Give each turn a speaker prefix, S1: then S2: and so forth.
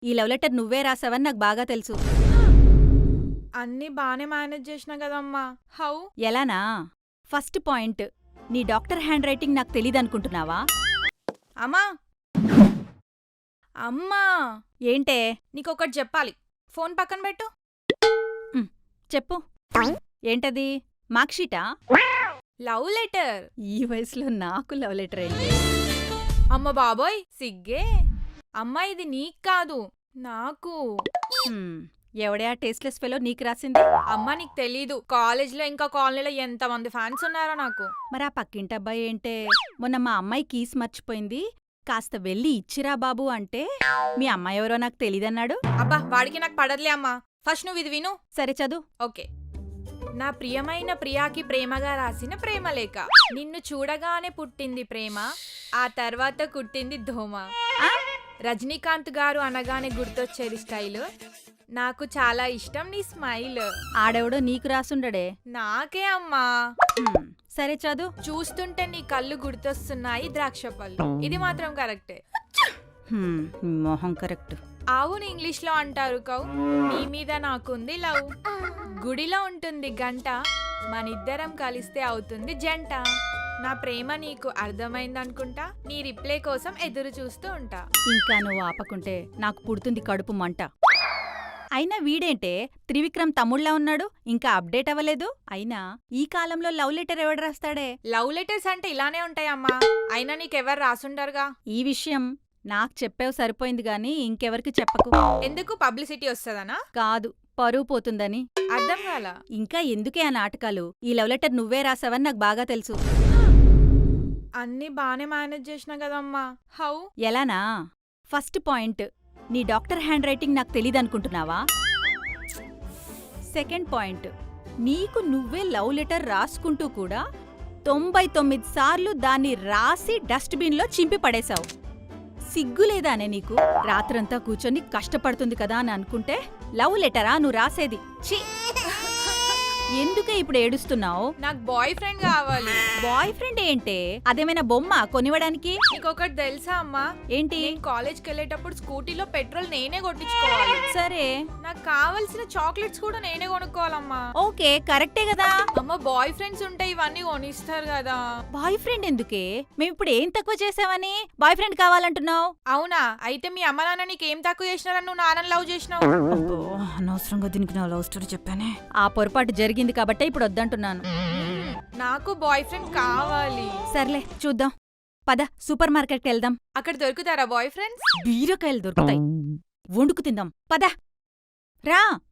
S1: ఈ love letter నువ్వే రాసావని నాకు బాగా తెలుసు.
S2: అన్నీ బానే మేనేజ్ చేసినా కదమ్మా. హౌ?
S1: ఎలానా? ఫస్ట్ పాయింట్, నీ డాక్టర్ హ్యాండ్ రైటింగ్ నాకు తెలీదనుకుంటున్నావా?
S2: అమ్మా అమ్మా
S1: ఏంటే?
S2: నీకొకటి చెప్పాలి. ఫోన్ పక్కన పెట్టు.
S1: చెప్పు. ఏంటది? మార్క్షీటా?
S2: Love letter.
S1: ఈ వయసులో నాకు లవ్ లెటర్ ఏంటి?
S2: అమ్మ బాబోయ్ సిగ్గే. అమ్మా ఇది నీకు కాదు, నాకు.
S1: ఎవడే ఆ టేస్ట్లెస్ ఫెలో నీకు రాసింది?
S2: అమ్మా నీకు తెలీదు, కాలేజ్లో ఇంకా కాలనీలో ఎంతమంది ఫ్యాన్స్ ఉన్నారో నాకు.
S1: మరి ఆ పక్కింటి అబ్బాయి ఏంటే మొన్న మా అమ్మాయి కీస్ మర్చిపోయింది, కాస్త వెళ్ళి ఇచ్చిరా బాబు అంటే మీ అమ్మాయి ఎవరో నాకు తెలీదన్నాడు.
S2: అబ్బా వాడికి నాకు పడదులే అమ్మా. ఫస్ట్ నువ్వు ఇది విను.
S1: సరే చదువు.
S2: ఓకే. నా ప్రియమైన ప్రియాకి ప్రేమగా రాసిన ప్రేమలేఖ. నిన్ను చూడగానే పుట్టింది ప్రేమ, ఆ తర్వాత కుట్టింది ధోమ. రజనీకాంత్ గారు అనగానే గుర్తొచ్చేది స్టైల్, నాకు చాలా ఇష్టం నీ స్మైల్.
S1: ఆడెవడో నీకు రాసుండడే.
S2: నాకే అమ్మా.
S1: సరే చదువు.
S2: చూస్తుంటే నీ కళ్ళు గుర్తొస్తున్నాయి ద్రాక్ష పళ్ళు. ఇది మాత్రం కరెక్టే.
S1: మొహం కరెక్ట్.
S2: అవును ఇంగ్లీష్ లో అంటారు కౌ. నీ మీద నాకుంది లవ్. గుడిలో ఉంటుంది గంట, మనిద్దరం కలిస్తే అవుతుంది జంట. నా ప్రేమ నీకు అర్థమైందనుకుంటా, నీ రిప్లై కోసం ఎదురు చూస్తూ ఉంటా.
S1: ఇంకా నువ్వు ఆపకుంటే నాకు పుడుతుంది కడుపు మంట. అయినా వీడేంటే త్రివిక్రమ్ తమ్ముళ్లా ఉన్నాడు, ఇంకా అప్డేట్ అవ్వలేదు. అయినా ఈ కాలంలో లవ్ లెటర్ ఎవడు రాస్తాడే?
S2: లవ్ లెటర్స్ అంటే ఇలానే ఉంటాయమ్మా. అయినా నీకెవరు రాసుండరుగా.
S1: ఈ విషయం నాకు చెప్పావు సరిపోయింది గాని ఇంకెవరికి చెప్పకు.
S2: ఎందుకు? పబ్లిసిటీ వస్తుందనా?
S1: కాదు, పరువు పోతుందని.
S2: అర్థం కాల.
S1: ఇంకా ఎందుకే ఆ నాటకాలు? ఈ లవ్ లెటర్ నువ్వే రాసావని నాకు బాగా తెలుసు.
S2: అన్నీ బానే మేనేజ్ చేసినా కదమ్మా. హౌ?
S1: ఎలానా? ఫస్ట్ పాయింట్, నీ డాక్టర్ హ్యాండ్ రైటింగ్ నాకు తెలీదనుకుంటున్నావా? సెకండ్ పాయింట్, నీకు నువ్వే లవ్ లెటర్ రాసుకుంటూ కూడా 99 సార్లు దాన్ని రాసి డస్ట్బిన్లో చింపి పడేశావు. సిగ్గులేదానే నీకు? రాత్రంతా కూర్చొని కష్టపడుతుంది కదా అని అనుకుంటే లవ్ లెటరా నువ్వు రాసేది? ఛీ! ఎందుకే ఇప్పుడు ఏడుస్తున్నావు?
S2: నాకు బాయ్ ఫ్రెండ్ కావాలి.
S1: బాయ్ ఫ్రెండ్ ఏంటే? అదేమైనా బొమ్మ కొనివ్వడానికి?
S2: నీకొకటి తెలుసా అమ్మా?
S1: ఏంటి?
S2: నేను కాలేజ్కి వెళ్ళేటప్పుడు స్కూటీలో పెట్రోల్ నేనే కొట్టించుకోవాలి.
S1: సరే,
S2: నాకు కావలసిన చాక్లెట్స్ కూడా నేనే కొనుక్కోవాలమ్మా.
S1: ఓకే, కరెక్టే కదా.
S2: అమ్మ బాయ్ ఫ్రెండ్స్ ఉంటే ఇవన్నీ కొనిస్తారు కదా.
S1: బాయ్ ఫ్రెండ్ ఎందుకే? మేమిప్పుడు ఏం తక్కువ చేసావని బాయ్ ఫ్రెండ్ కావాలంటున్నావు?
S2: అవునా? అయితే మీ అమ్మ నాన్న నీకేం తక్కువ చేసినారని నువ్వు నాన్నని లవ్ చేసినావు?
S1: అనవసరంగా దీనికి నా లవ్ స్టోరీ చెప్పానే. ఆ పొరపాటు జరిగింది కాబట్టే ఇప్పుడు వద్దంటున్నాను.
S2: నాకు బాయ్ ఫ్రెండ్ కావాలి.
S1: సర్లే చూద్దాం. పద సూపర్ మార్కెట్కి వెళ్దాం.
S2: అక్కడ దొరుకుతారా బాయ్ ఫ్రెండ్స్?
S1: బీరకాయలు దొరుకుతాయి, వండుకు తిందాం. పద రా.